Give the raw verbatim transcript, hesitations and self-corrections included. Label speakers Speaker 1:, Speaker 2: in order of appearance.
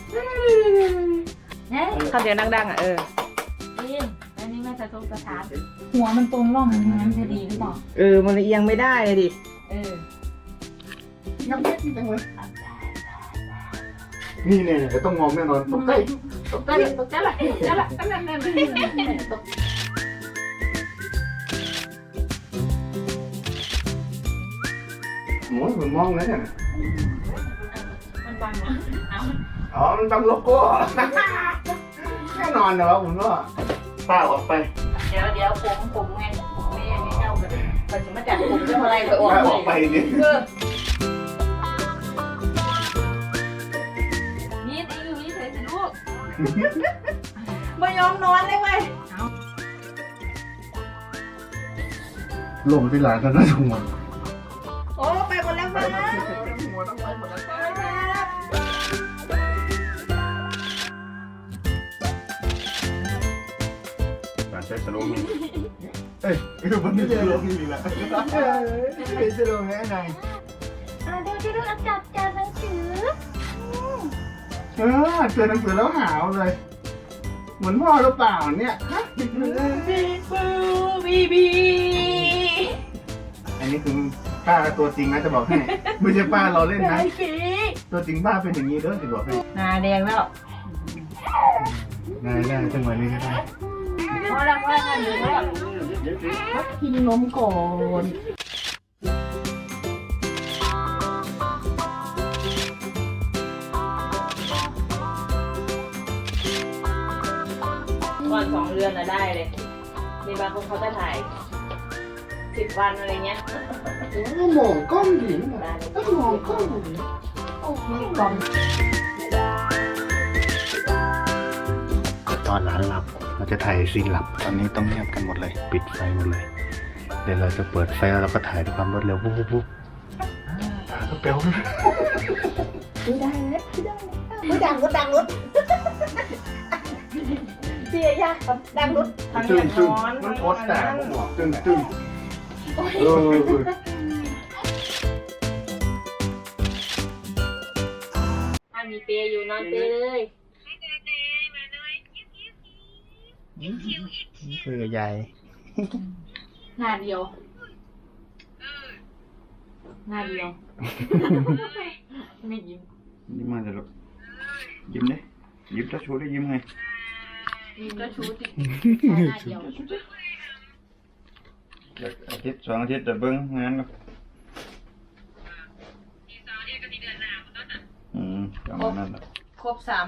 Speaker 1: เนี่ย
Speaker 2: คำเดียวดังๆอ่ะเออ
Speaker 1: กินอันนี้แม่จะทงสถานหัวมันตรงร่องนั้นจะดีหรือเปล่า
Speaker 2: เออมันเอียงไม่ได้เลยดิ
Speaker 1: เออ
Speaker 3: น้ำเล็กจังเลยนี่เนี่ยเดี๋ยวต้องมองแน่นอนตกใจตกใจ
Speaker 1: ตกใจละตกใจละตั้งแต่นั้นตก
Speaker 3: หมูผมมองแล้วเนี่ย
Speaker 1: มันบังเหรอเอา
Speaker 3: อ๋อมันบังโลโก้แน่นอนนะวะผมว่าป้าออกไป
Speaker 1: เดี๋ยวเดี๋ยวผมผมไงผมไม่ไม่เข้ากันแต่จะมาจับผมจะอะไรไปออก
Speaker 3: ป้าออกไปนี่
Speaker 1: เออนี่ตีอยู่นี่เฉยสิลูกไม่ยอมนอนเลยเว้ย
Speaker 3: ลงที่หลานกันนะทุกคน
Speaker 1: โอ้ไปหมดแล้วมั้ง
Speaker 3: หัวต้องไปหมดแล้ว การใช้สโลว์มีเอ้ยคือมันไม่ใช่สโลว์มีละเอ้ยเป็นสโลว์แค่ไหน
Speaker 4: อ่าเดี๋ยวจะดูอักจับจากหนังสือ
Speaker 3: เออเจอหนังสือแล้วหาวเลย เหมือนพ่อหรือเปล่าเนี่ยฮะ
Speaker 1: บีบูบีบี
Speaker 3: อันนี้คือป้าตัวจริงนะจะบอกให้ ไม่ใช่ป้าเราเล่นนะ
Speaker 1: ไอ้สี
Speaker 3: ตัวจริงป้าเป็นอย่างนี้เด้อจะบอกให้
Speaker 1: หน้าแดงแล้ว
Speaker 3: ได้ได้จังหวะนี้ก็ได้
Speaker 1: พอแล้วพอแล้วเดี๋ยวแล้วกินนมก่อนก่อนสองเดือนอะได้เลยมีบางคนเขาจะถ่ายสิบวันอะไรเงี้ย
Speaker 3: ก็มองกล้องดิต้องมองกล้อง
Speaker 1: โอ้โหกล่อง
Speaker 3: ตอนร้านหลับเราจะถ่ายซีนหลับ ตอนนี้ต้องเงียบกันหมดเลย ปิดไฟหมดเลย เดี๋ยวเราจะเปิดไฟแล้วเราก็ถ่ายด้วยความรวดเร็วปุ๊บปุ๊บปุ๊บตาก็เปรี้ยว
Speaker 1: ไม่ได้เลยไม่ดังก็ดังรถเสียยากดังรถทาง
Speaker 3: ตึ้
Speaker 1: อง ย่าง
Speaker 3: ตึ้ง
Speaker 1: นอน
Speaker 3: มันโคตรแต่หัวตึ้งตึ้งเออ
Speaker 1: ถ้ามีเปย์อยู่นอนเปย์เลย
Speaker 3: คุยกับยาย
Speaker 1: หน้าเดียวหน้าเดียวไม่ยิ้ม
Speaker 3: ยิ้มมาเลยลูกยิ้มเลยยิ้มจะชูได้ยิ้มไง
Speaker 1: ยิ้มก็ชูติหน้าเดียว
Speaker 3: อาทิตย์สองอาทิตย์จะเบิ้งงานก็อืมประมาณนั้นแหละ
Speaker 1: ครบสาม